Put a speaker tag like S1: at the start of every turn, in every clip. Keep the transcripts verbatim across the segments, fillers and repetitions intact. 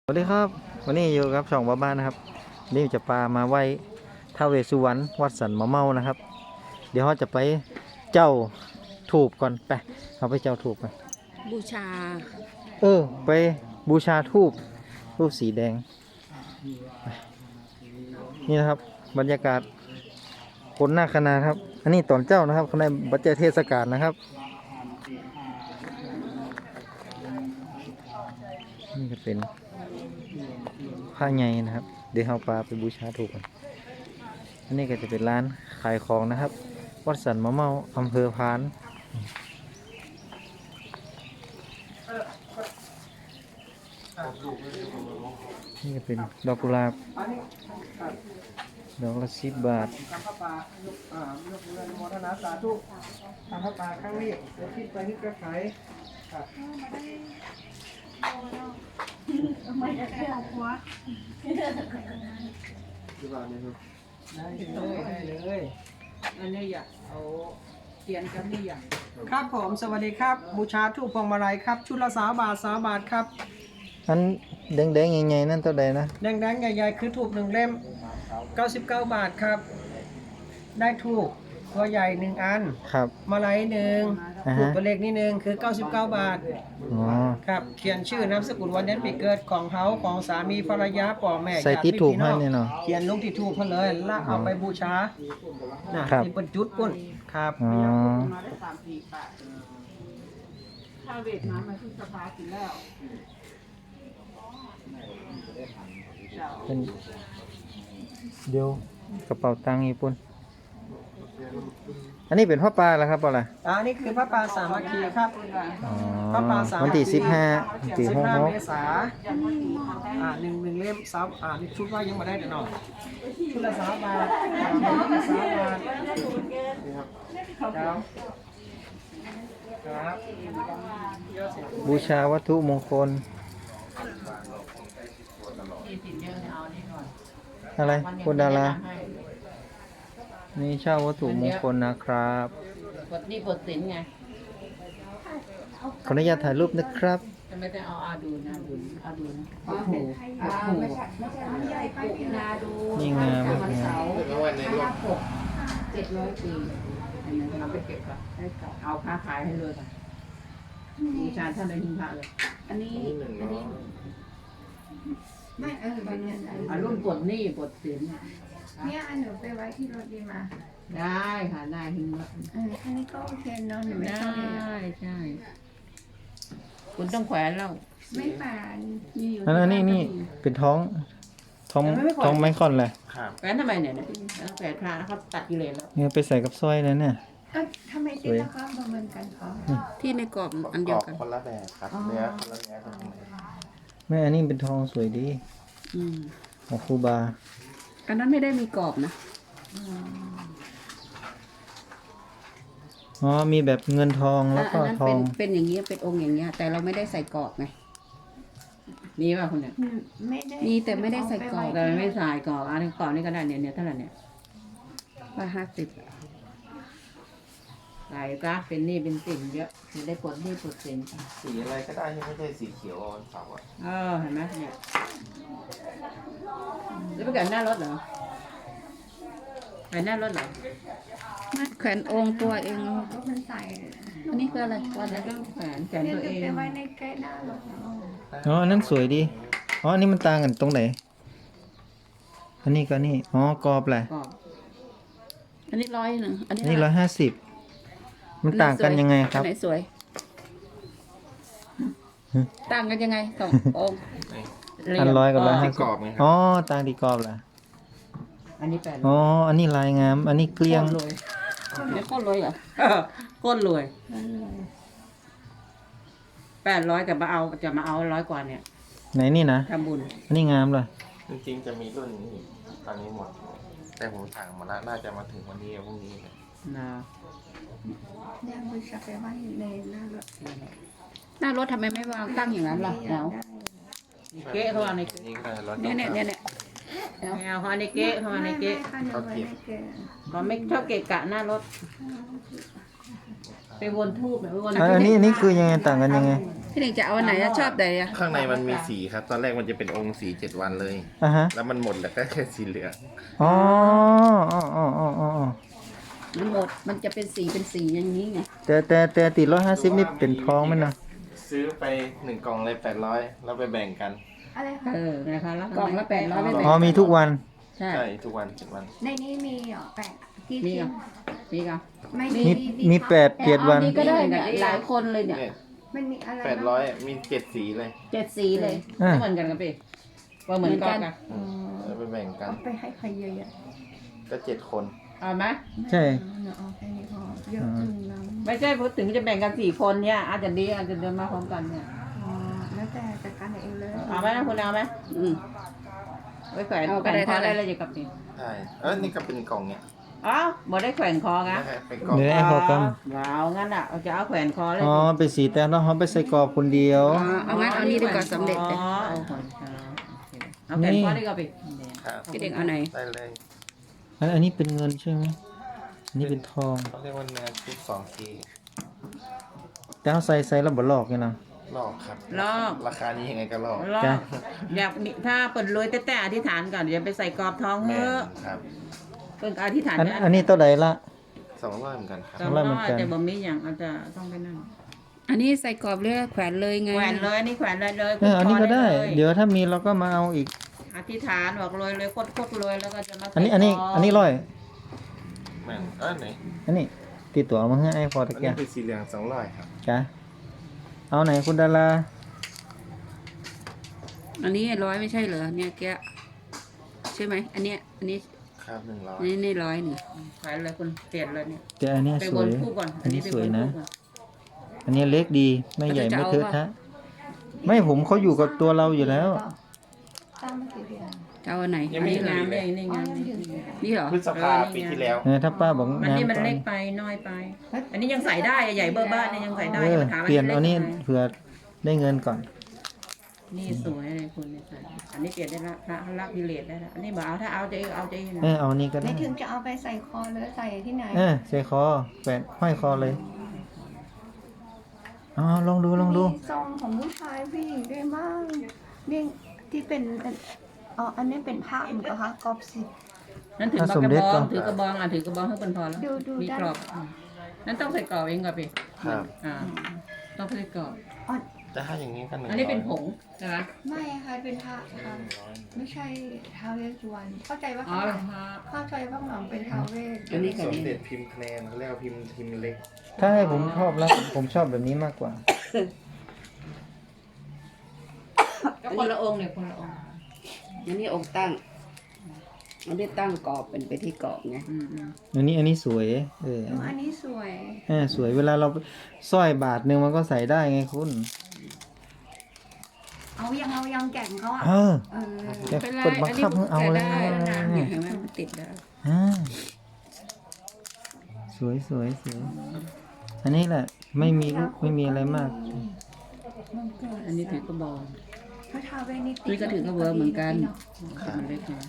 S1: สวัสดีครับวันนี้อยู่กับช่องบ้านนะครับนี่จะปามาไหว้ท้าวเวสสุวรรณวัดสันมะเมานะครับเดี๋ยวเราจะไปเจ้าถูกก่อนไปเอาไปเจ้าถูกกัน
S2: บูชา
S1: เออไปบูชาทูบรูปสีแดงนี่นะครับบรรยากาศคนหน้าคณะครับอันนี้ตอนเจ้านะครับคณะบัจเจเทศกาลนะครับนี่ก็เป็นผ้าใหญ่นะครับเดี๋ยวเอาปลาไปบูชาถูกกันอันนี้ก็จะเป็นร้านขายของนะครับวัดสันมะเมาอำเภอพานนี่ก็เป็นดอกกุหลาบดอกละสิบบาท
S3: ทำพระป่าลูกอ่าลูกเรือนโมทนาสาธุทำพระป่าครั้งนี้เดี๋ยวคิดไปนึกกระไขครับ
S2: ไม่ได้เอาหัว
S3: ได้เลยได้เลยอันนี้อยากเอาเทียนกันนี่อย่างครับผมสวัสดีครับบูชาทูปพวงมาลัยครับชุดละสามบาทสามบาทครับ
S1: อันแดงๆใหญ่ๆนั่นเท่าใดนะ
S3: แดงๆใหญ่ๆคือทูบหนึ่งเล่มเก้าสิบเก้าบาทครับได้ทูบตัวใหญ่หนึ่งอัน
S1: ครับ
S3: มาลัยหนึ่ง
S1: อ่า
S3: ถู
S1: ฮะ
S3: กตัวเล็กนิดนึงคือเก้าสิบเก้าบาท
S1: อ๋อ
S3: ครับเขียนชื่อนามสกุลวันเดือนปีเกิดของเขาของสามีภรรยาป่อแม่
S1: ใส่ติดถูกให้เนี่ยเนาะ
S3: เขียนลงที่ถูกเขาเลยแล้วเอาไปบูชานะครับ นี่เป็นจุดปุ่นครับ
S1: อ๋อ
S2: ถ้าเวทน้ำมาที่สภากินแล้ว
S1: เป็นเดี๋ยวกระเป๋าตังค์ญี่ปุ่นอันนี้เป็นพ่อปลาแล้วครับเปล่าล่ะ
S3: อันนี้คือพระปางสามัคคีครับ
S1: อ๋อ
S3: พระปางสามัคคี
S1: วันที่สิบห้าสี่
S3: สิบ
S1: หก
S3: ห้า
S1: หก
S3: เมษาอ่าหนึ่งหนึ่งเล่มซับอ่านี่ชุดว่ายังมาได้เดี๋ยวหน่อยชุดละสามบาทอ่าชุดละสามบาทครับครับ
S1: บูชาวัตถุมงคลอะไรคุณดารานี่เช่าวัตถุมงคลนะครับ
S2: บทนี่บทสินไง
S1: ขออนุญาตถ่ายรูปนะครับ
S2: จะไม่ได้เอาอาดูนะดูอาดูนะ
S3: โอ้โห
S2: ไม่ใช่ไม่ใช่ไม่ใหญ่ไปพินาดู
S1: นี่งาม
S2: วันเสาร์
S1: งาม
S2: ห้าหกเจ็ดร้อยปีอันนี้เราไปเก็บก่อนเอาค้าขายให้เลยค่ะบูชาท่านในหิ้งพระเลย อันนี้อันนี้ไม่เออเป็นยังไงอ่ารุ่นปลดหนี้ปลดสิน
S4: เนี่ยอันหนูไปไว้ที่รถดีมา
S2: ได้ค่ะได้หิ้งพระ
S4: เอออันนี้ก็โอเคเนาะหนูไม่
S2: ได้
S4: ชอบเลยอะ
S2: ใช่คุณต้องแขวนแล้ว
S4: ไม่ป่าน
S2: นี่อยู่
S1: อันนั้นนี่นี่เป็นท้องท้องท้องไม้คอนเลย
S2: แขวนทำไมเนี่ยแขวนพระเขาตัดกิเลสแล้ว
S1: เนี่ยไปใส่กับสร้อยแล้วเนี่ย
S4: เอ้าทำไมตีละครประเมินกันเขา
S2: ที่ในกรอบอันเดียวกัน
S5: คนละแบบครับเนื้อคนละเนื้อคนละเนื้อ
S1: แม่อันนี้เป็นทองสวยดี
S2: อืม
S1: ของครูบา
S2: อันนั้นไม่ได้มีกรอบนะ
S1: อ๋อมีแบบเงินทองแล้วก็
S2: อันนั้น
S1: ทอ
S2: เป็น
S1: ง
S2: เป็นอย่างเงี้ยเป็นองค์อย่างเงี้ยแต่เราไม่ได้ใส่กรอบไงมีป่ะคุณเนี่ย
S4: อืมไม่ได้
S2: มีแต่ไม่ได้ใส่กรอบ
S4: เาป
S2: แต่
S4: ไว้
S2: ไม่ใส่กรอบอันนี้กรอบนี่ก็ได้เนี่ยเนี่ยเท่าไหร่เนี่ยร้อยห้าสิบใส่ก็เป็นหนี่เป็นสินเยอะจะได้ปลดหนี่ปลดสิน
S5: สีอะไรก็ได้ที่ไม่ใช่สีเขียวอ่อนเสาร์อ่ะ
S2: เออเห็นไหมเนี่ยแล้วไปแขวนหน้ารถเหรอแขวนหน้ารถเหรอไม่แขวนองค์ตัวเอง
S4: ก็มันใส่
S2: อันนี้คืออะไรวันแล้วก็แขวนแขวน
S4: เนี่ย
S2: ตัว
S4: หนู
S2: เอง
S4: ไปไว้ในใกล้หน้ารถเนาะ
S1: อ๋ออันนั้นสวยดีอ๋ออันนี้มันต่างกันตรงไหนอันนี้ก็นี่อ๋อกรอบแหละ
S2: กรอบอันนี้ร้อยหนึ่งอัน
S1: อั
S2: นี้
S1: นนี้ร้อยห้าสิบมันต่างกันยังไงครับ
S2: อันไหนสวย
S1: หืม
S2: ต่างกันยังไงสององค์
S1: อันร้อยกับร้อยห้าสิ
S5: กร
S1: บ
S5: อบไงครั
S1: อ๋อต่างที่กรอบแหละ
S2: อันนี้แปด
S1: อ๋ออันนี้ลายงาม อันนี้เกลี้ยง
S2: โคตรรวยไม่โคตรรวยเหรอโคตรรวย
S4: นั่นเลย
S2: แปดร้อยแต่มาเอาจะมาเอาร้อยกว่าเนี่ย
S1: ไหนนี่นะ
S2: ทำบุญ
S1: อันนี้งามเลย
S5: จริงๆจะมีรุ่นนี้อีกตอนนี้หมด แต่ผมสั่งมาแล้วน่าจะมาถึงวันนี้กับพรุ่งนี้เนี่ย
S2: นะ
S4: เนี่ยบูชาไปไว้ในหน้ารถ
S2: หน้ารถทำไมไม่วางตั้งอย่างนั้นล่ะ
S4: อยา
S2: เอา
S4: กได้
S2: เก๊ะเข้ามาใน
S5: นี่ก็ได้รถ
S2: เนี่ยเนี่ยเนี่ยเนี่ยไม่เอาเข้ามาในเก๊ะเข้ามาในเก๊ะ
S4: ไม่ไม่ค่ะหนูไว้ในเก๊ะ
S2: ก็ไม่ชอบเกะกะหน้ารถไปวนทูบไปวน
S1: อันอันนี้อันนี้คือยังไงต่างกันยังไง
S2: ที่พี่เด็กจะเอาอันไหนอะชอบไหนอะ
S5: ข้างในมันมีสีครับ ตอนแรกมันจะเป็นองค์สีเจ็ดวันเลย
S1: อ่ะฮะ
S5: แล้วมันหมดแล้วก็แค่สีเหลือง
S1: อ๋ออ๋ออ๋ออ๋ออ๋อ
S2: มันหมดมันจะเป็นสีเป็นสีอย่างนี้ไง
S1: แต่แต่แต่ติดร้อยห้าสิบนี่เป็นทองไหมเนาะ
S5: ซื้อไปหนึ่งกล่องเลยแปดร้อยแล้วไปแบ่งกัน
S4: อะไรคะ
S2: เออนะคะแล้วกล่องละแปดร้อยไม่แบ่ง
S1: อ๋อมีทุกวัน
S2: ใช่
S5: ใช่ทุกวันเจ็ดวัน
S4: ในนี้มีเหรอแปะกี่
S2: มี
S4: ชิ้
S2: อ่ะ
S4: น
S2: มีอ่ะ
S4: ไม่
S1: มีมีแปดเจ็ดวัน
S2: นี่ก็ได้เนี่ยหลายคนเลยเนี่ย
S5: เนี่ย
S4: มันมีอะไร
S5: แปดร้อยมีเจ็ดสีเลย
S2: เจ็ดสีเลย
S1: อ่ะ
S2: ไม่เหมือนกันครับพี่ว่าเหมือนกัน
S4: อ๋อ
S5: แล้วไปแบ่งกัน
S4: เอาไปให้ใครเยอะ
S5: ก็เจ็ดคน
S2: เอาไหม
S4: ๆ
S1: ใช่
S4: เนาะเอาแค่นี้พอเยอะจังนะ
S2: ไม่ใช่พูดถึงจะแบ่งกันสี่คนเนี่ยอาจจะดีอาจจะเดินมาพร้อมกันเนี่ย
S4: อ๋อแล้วแต่จัดการเองเลย
S2: เอาไหมนะคุณเอาไหมอืมไว้แขวนแขวนคอได้เลยจะกับนี่
S5: ใช่เออนี่ก็เป็นกล่องเนี่ย
S2: อ๋อบ่ได้แขวนคอนะ
S5: นะฮะเป็นกล่อง
S1: เดี๋ยวให้เขาก
S2: ว้าวงั้นอ่ะเอาจะเอาแขวนคอเลย
S1: ำอ๋อไปสีแต่แล้วเขาไปใส่กรอบคนเดียว
S2: เอางั้นเอานี่ดีกว่าสำเร็จเลยเอาแขวนคอเอาแขวนคอดีกว่าพี่
S5: ครับ
S2: พี่เด็กเอาไหน
S5: ได้เลย
S1: อันอันนี้เป็นเงินใช่ไหมอันนี้เป็นทอง
S5: เขาเรียกว่าเนื้อชุดสองที
S1: แต่เขาใส่ใส่แล้วบ่ลอกไงนะ
S5: ลอกครับ
S2: ลอก
S5: ราคานี้ยังไงก็ลอก
S2: ลอ
S1: จ้ะ
S2: กอยากมีถ้าเปิดรวยแต่แต่อธิษฐานก่อนเดี๋ยวไปใส่กรอบทอง
S5: แม่
S2: เฮ้อะ
S5: ครับ
S2: เพิ่งอธิษฐาน
S1: อัน
S2: เนี่ย
S1: อันนี้เท่าไหร่ละ
S5: สองร้อยเหมือนกันครับ
S2: สอง
S1: ร้อยเหมือนกัน
S2: แต่บ่มีอย่างอาจจะต้องไปนั่น
S6: อันนี้ใส่กรอบเรือแขวนเลยไง
S2: แขวนเลยอันนี่แขวนเลยเลย
S1: เอออันนี้ก็ได้
S2: ล
S1: เดี๋ยวถ้ามีเราก็มาเอาอีก
S2: อธิษฐานบอกรวยเลยโคตรโคตรรวยแล้วก็จะมาใส่
S1: อันนี้อันนี้
S2: ทง
S1: อันนี้ร้อย
S5: แม่นเออไหน
S1: อันนี้ติดตัวเอามาให้ไอ้พอตะ
S5: อัน
S1: เกี
S5: นี้
S1: ยบ
S5: เป็นสีเหลืองสองร้อยครับ
S1: จ้ะเอาไหนคุณดารา
S6: อันนี้ร้อยไม่ใช่เหรอเนี่ยแกะใช่ไหมอันเนี้ยอันนี้
S5: ครับหนึ่งร้อย
S6: อันนี้นี่ร้อยหนึ่ง
S2: แขวนเลยคุณเปลี่ยนเลยเนี่ย
S1: แต่อันเนี้ย
S2: ไป
S1: ส
S2: บ
S1: วน ย
S2: คู่ก่อน
S1: อันนี้
S2: ไป
S1: สวย
S2: บ
S1: นะ
S2: คู่ก่อ
S1: อันนี้เล็กดีไม่ใหญ่ไม่เทอะทะไม่ผมเขาอยู่กับตัวเราอยู่แล้ว
S4: สร้างมากี่เดือน
S6: จะเอาอันไหน
S5: ยัง
S6: อัน
S5: ไม่
S6: นี้
S5: ถึ
S2: งาม
S5: เล
S2: เลย ยนี่งาม
S4: อ๋อยังอยู่
S6: นี่เหรอ
S5: พฤษภาปีที่แล้ว
S1: เออถ้าป้าบอก
S2: มัน
S1: งาม
S2: นี่มัน
S1: ก่อน
S2: เล็กไปน้อยไป อันนี้ยังใส่ได้อะใหญ่เบอร์บ้านเนี่ยยังใส่ได้
S1: เอ
S2: อย่า
S1: อ
S2: มาถามว่า
S1: เปลี่ยน
S2: ล็ก
S1: เอานี่
S2: ยังไง
S1: เผื่อได้เงินก่อน
S2: นี่สวยเลยคุณเนี่ยใส่อันนี้เปลี่ยนได้ละพระละพิเรศได้ละอันนี้บอกเอาถ้าเอาจะเอาจะนะ
S1: เออเอานี่ก็
S4: ไม่
S1: ได้
S4: ถึงจะเอาไปใส่คอหรือใส่ที่ไหน
S1: เออใส่คอแขวนห้อยคอเลยอ๋อลองดูลองดู
S4: มีซองของผู้ชายผู้หญิงด้วยมากนี่ที่เป็นอ๋ออันนี้เป็นผ้าเหมือนกันคะกรอบสิ
S2: นั่นถือกระบองถือกระบองอ่ะถือกระบองให้เป็นพอแล้ว
S4: ดูดู
S2: มี
S4: ได้
S2: กรอบอืมนั่นต้องใส่กรอบเองก่อนพี่
S5: ครับ
S2: อ่าต้องใส่กรอบ
S4: อ๋อ
S5: แต่ถ้าอย่างนี้ก็หนึ่ง
S2: อันนี้เป็นผ
S5: ร้อย
S2: งใช่ไหม
S4: ไม่ค่ะเป็นผ้าค่ะไม่ใช่ท้าวเวสสุวรรณเข้าใจว่า
S2: อ๋อ
S4: ข้างหลังเข้าใจว่าข้างหลังเป็นท้าวเวส
S2: อันนี้
S5: ส
S2: กับ
S5: ม
S2: นี่
S5: เด็จพิมพ์คะแนนเขาเรียกว่าพิมพ์พิมพ์เล็ก
S1: ถ้าให้ผมชอบแล้วผมชอบแบบนี้มากกว่า
S2: ก็คนละองค์เนี่ยคนละองค์
S6: อันนี้องค์ตั้งอันนี้ตั้งกรอบเป็นไปที่กรอบไง
S2: อืมอืม
S1: อันนี้อันนี้สวยเออ
S4: อ๋ออันนี้สวย
S1: เออสวยเวลาเราสร้อยบาทหนึ่งมันก็ใส่ได้ไงคุณ
S4: เอายังเอายังแก่งเขาอ่ะ
S1: เออ
S4: เออ
S1: แต่
S6: เป็นไร
S1: กดบังคับให้เอาแล้ว
S6: เนี่ยเห็นไหมมันติดได้
S1: อ่าสวยสวยสวยอันนี้แหละไม่มีลูกไม่มีอะไรมาก
S2: อันนี้ถือกระบอง
S4: พระท้าวเวสนี่ติด
S6: นี่ก็ถือกระเบือเหมือนกัน
S2: มันเล็กนะ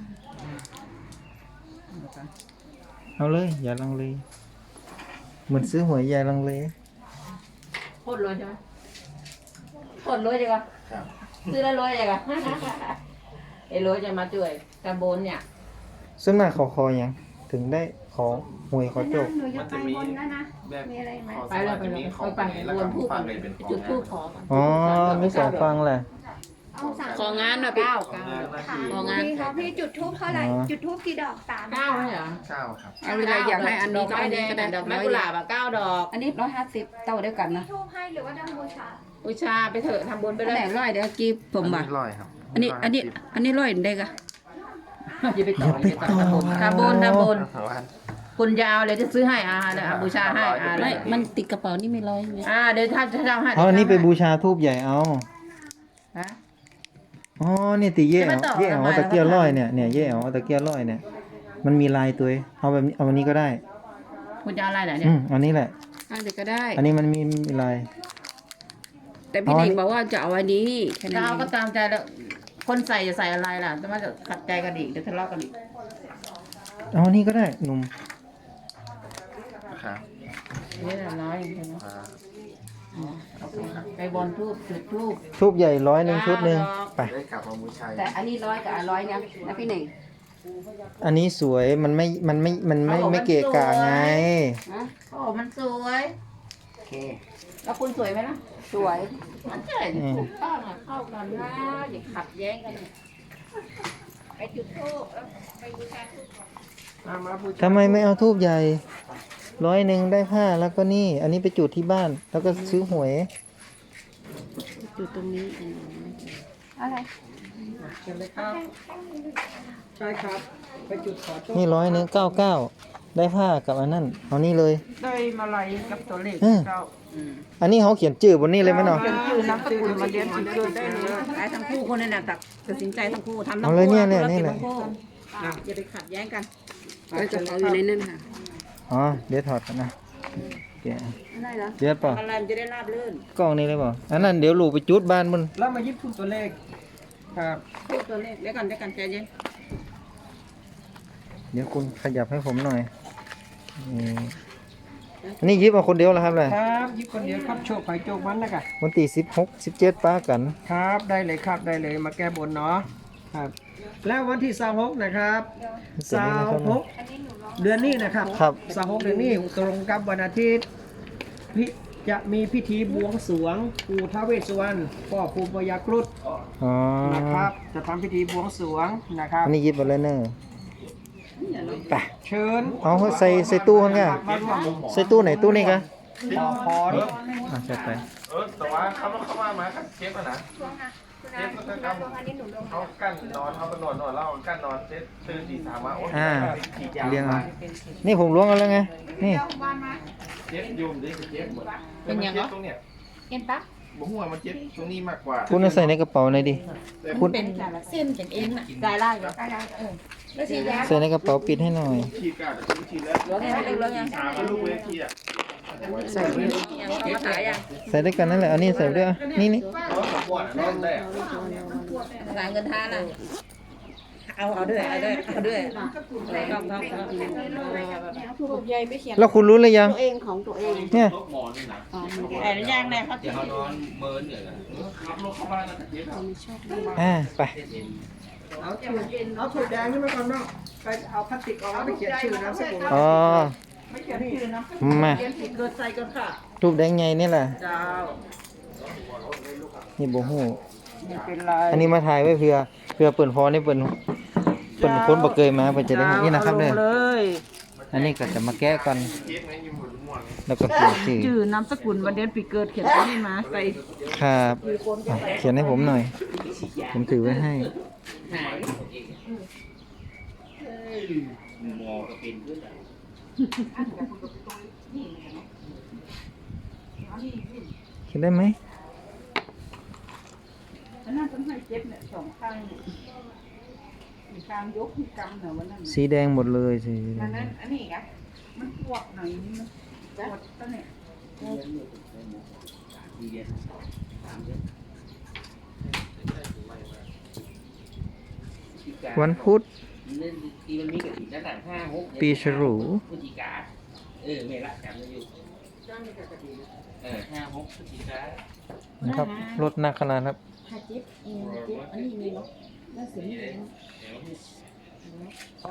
S1: เอาเลย อย่าลังเลเหมือนซื้อหวยอย่าลังเล
S2: โคตรรวยใช่ไหมโคตรรวยจังวะ
S5: ครับ
S2: ซื้อแล้วรวยจังวะ ไอ้รวยจะมาช่วยตะบนเนี่ย
S1: ส่วนมากเขาคออย่างถึงได้ขอหวยขอโจก
S4: หนูจะไปบนแล้วนะ
S5: แบบ
S4: มีอะไรไหม
S5: ขอ
S2: ไป
S5: ส
S2: แล้
S5: วั
S2: ว
S5: ส
S2: ไป
S5: ดิ์จะ
S2: แล้ว
S5: มีข
S2: ไป
S5: อง
S2: ไป
S5: ไหนแล้ว
S2: ว
S5: ก็
S2: นผู้
S5: ฟั
S2: ก่อง น
S5: เลยเป็นของ
S2: จุด
S5: งาน
S2: ทูบขอก่อน
S1: อ๋อมีสองฟังแหละ
S4: เอาสาม
S6: ของานน่ะพี่
S2: เก้า
S5: ของ
S2: เก้าง
S5: านหน้า
S4: ค่ะ
S5: ที่
S6: ของงาน
S4: พี่คะพี่จุดทูบเท่าไหร่
S1: อ๋อ
S4: จุดทูบกี่ดอกสาม
S2: เก้าไหมเหรอ
S5: เก้าครับ
S6: เอาเวลาอยากให้อันนี้ก็อันนี้ก็ได้
S2: ดอกไม้กุหลาบอะเก้าดอก
S6: อันนี้ร้อยห้าสิบเต้าเดียวกัน
S4: มี
S6: นะ
S4: ทูบให้หรือว่าดังบูชา
S2: บูชาไปเถอะทำบุญไป
S6: อัน
S2: เล
S6: ไหน
S2: ย
S6: ร้อยเดี๋ยวกี้ผม
S5: อัน
S6: บ่ะ
S5: นี้ร้อยครับ
S6: อันนี้อันนี้อันนี้ร้อยได้กะ
S2: อย่าไปต่ออย่าไปต่อทำบุญทำบุญทำบุญ
S5: ร้อยวัน
S2: คุณจะเอาเลยจะซื้อให้อาเดี๋ยวเอาบูชาให้อาเล
S6: ไม่
S2: ย
S6: มันติดกระเป๋านี่ไม่ร้อยไง
S2: อ่าเดี๋ยวถ้าจะทำให้
S1: เอาอันนี้ไปบูชาทูบใหญ่เอา
S2: ฮะ
S1: อ๋อนี่ตีเย่
S2: จะ
S1: เอา
S2: มาต่อ
S1: เย่เอา
S2: ทำไม
S1: ตะเกียบร้อยเนี่ยเนี่ยเย่เอาตะเกียบร้อยเนี่ยมันมีลายตัวเองเอาแบบนี้เอาอันนี้ก็ได้
S2: คุณจะเอาอะไรไหนเนี่ย
S1: อืมอันนี้แหละ
S6: อันเดียวก็ได้
S1: อันนี้มันมีมีลาย
S6: แต่พี่
S1: อ๋อ
S6: เด็ก
S1: นี่
S6: บอกว่าจะเอาอันนี้แค่นั้
S2: จะ
S6: น
S2: เอา
S6: เอ
S2: ก็
S6: ง
S2: ตามใจแล้วคนใส่จะใส่อะไรล่ะจะมาจะขัดใจกันอีกเดี๋ยวทะเลาะกันอีก
S1: เอาอันนี้ก็ได้หนุ่ม
S5: ครับ
S2: นี่แหละร้อยใช่ไหม
S5: อ่า
S2: อืมเอาไปไปบอลทูบจุดทูบ
S1: ทูบใหญ่ร้อยหนึ่งชุดหนึ่งไป
S5: ได้กลับมาบูชา
S6: แต่อันนี้ร้อยกับอันร้อยนะนะพี่หนึ่ง
S1: อันนี้สวยมันไม่มันไม่มันไม่ไม่เกะกะไง
S6: ฮะ
S2: โอ้มันสวย
S6: โอเค
S2: แล้วคุณสวยไหมล่ะ
S6: สวย
S2: มันใช่ถูกต้องอ่ะเข้ากันนะอย่าขัดแย้งกันไปจุดทูบแล้วไปบูชาทูบ
S3: มามาบูชา
S1: ทำไมไม่เอาทูบใหญ่ร้อยหนึ่งได้ผ้าแล้วก็นี่ อันนี้ไปจุดที่บ้าน แล้วก็ซื้อหวย
S6: จุดตรงนี้
S4: อะไร
S3: เชิญเลยครับ ใช่ครับ ไปจุดขอโชค
S1: นี่ร้อยหนึ่งเก้าเก้าได้ผ้ากับอันนั้นเอานี่เลย
S3: ได้มาลัยกับตัวเลข
S1: เออ
S3: เก้า
S1: อันนี้เขาเขียนจื่อบนนี้เลยไหมเนาะ
S3: ชื่อนามสกุลมาเรียนชื่อเกิดได้เลย
S2: ไอ้ทั้งคู่คนนี่นะตัดสินใจทั้งคู่ทำทั้ง
S1: เอา
S2: คู่
S1: เลยเนี่ยเนี่ย
S2: ธุร
S1: นี่
S2: กิจ
S1: แหละ
S2: ทั้งคู่อ่ะอย่าไปขัดแย้งกัน
S6: ก็จะเอาอยู่ในนั้นค่ะ
S1: อ๋อเดี๋ยวถอดกันนะแกะ
S6: ได้แล้ว
S1: เดี๋ยวเปล่า
S2: อะไรมันจะได้ราบรื่น
S1: กล้องนี้เลยเปล่าอันนั้นเดี๋ยวลูกไปจุดบ้านมัน
S3: แล้วมายิบพูดตัวเลข ครับ
S2: พูดตัวเลขเดี๋ยวกันเดี๋ยวกันใจเย็น
S1: เดี๋ยวคุณขยับให้ผมหน่อยนี่อันนี้ยิบเอาคนเดียวแล้วครับเลย
S3: ครับยิบคนเดียวครับโชคไผ่โชคมันนะคะ
S1: วันที่สิบหกสิบเจ็ดป้ากัน
S3: ครับ ได้เลยครับ ได้เลย มาแก้บนเนาะ ครับ แล้ววันที่สามหกนะครับสามหกเดือนนี้นะครับ
S1: ครับ
S3: สามหกเดือนนี้ตรงกับวันอาทิตย์พิจะมีพิธีบวงสรวงปู่ท้าวเวสสุวรรณพ่อปู่พญาครุฑ
S1: อ๋อ
S3: นะครับ จะทำพิธีบวงสรวงนะครับ
S1: อันนี้ยิบเอาเลยเนอะไป
S3: เชิญ
S1: เอาใส่ใส่ตู้ข้างเนี่ย
S3: มาร่วม
S1: ใส่ตู้ไหนตู้นี้กะ
S3: ขอพร
S1: อ่ะใส่ไป
S5: เออแต่ว่าเขาเข้ามามาครับเชฟอะนะเชฟก็จะเขากั้นนอนเขาก็นอนนอนแล้วกั้นนอนเชฟตื่นตีสามมาโอ้ย
S1: อ่า
S5: ฉีดยา
S1: เรียงเอานี่ผมล้วงเอาแล้วไงนี่
S5: เชฟยุ่มดิเชฟหมดเป็นยังไงตรงเนี้ย
S2: เอ็นปะ
S5: บ่หัวมันเจ็บตรงนี้มากกว่า
S1: คุณเอาใส่ในกระเป๋าหน่อยดิคุณ
S2: เป็นเส้นเป็นเอ็นอ่ะได้ไล่เลยเออแล้วฉีดยา
S1: ใส่ในกระเป๋าปิดให้หน่อย
S5: ฉีดกาดฉีดแล้ว
S2: เหลือไงเหลือไง
S5: สามลูกเวทีอ่ะ
S2: ใส่ยังเขามาขายยัง
S1: ใส่ด้วยกันนั่นแหละเอานี่ใส่ด้วยอ่ะนี่นี่
S5: เพราะผมปวดนอนได้
S2: ขายเงินทานอ่ะเอาเอาด้วยเอาด้วยเอาด้วยต้องต้องต้อง
S1: แล้วคุณรู้หรือยัง
S6: ตัวเองของตัวเอง
S1: เนี่ย
S2: แต่ยังเนี่ยเขา
S5: เดี๋ยวเขานอนเมินเดี๋ยวขับรถเข้าบ้านแล้วเชฟ
S1: อ่าไป
S3: เอาถูกเอาถูกแดงขึ้นมาก่อนเนาะไปเอาพลาสติกออกแล้วไปเขียนชื่อนามสกุล
S1: อ๋อ
S3: ไม่เขียนชื่อนะ
S1: มา
S3: เขียนผิดเกิดใส่กันค่ะ
S1: รูปแดงไงนี่แหละ
S3: เจ้า
S1: นี่โบหู
S3: ไม่เป็นไร
S1: อันนี้มาถ่ายไว้เพื่อเพื่อเปิดพอนี่เปิดเปิดคนบ่เคยมาเปิดจะได้นี่นะครับเด้อ
S3: อาลงเลย
S1: อันนี้ก็จะมาแก้ก่อน
S5: เชฟไงยิ้มหมดม่วง
S1: แล้วก็เขียนชื่อ
S2: ชื่อนามสกุลวันเดือนปีเกิดเขียนตรงนี้มาใส่
S1: ครับอ่ะเขียนให้ผมหน่อย ผมถือไว้ให้ เขียนได้ไหม
S2: อันนั้นต้องให้เจ็บเนี่ยสองข้างมีการยกที่กำเนี่ยวันนั้น
S1: สีแดงหมดเลยสีแด
S2: อัน
S1: ง
S2: นั้นอันนี้กะมันปวดหน่อยนี่มันปวดตั้งเนี่ย
S1: วันพุธ
S7: ทีมันมีกระถิ่นตั้งแต่ห้าหก
S1: ปีฉลู
S7: พฤศจิกาเออไม่ละจำได้อยู่เออห้าหกพฤศจิกา
S1: นะครับรถหนักขนาดครับ
S2: ถ้าเจ็บเองเจ็บอันนี้มีเนาะน่าเสีย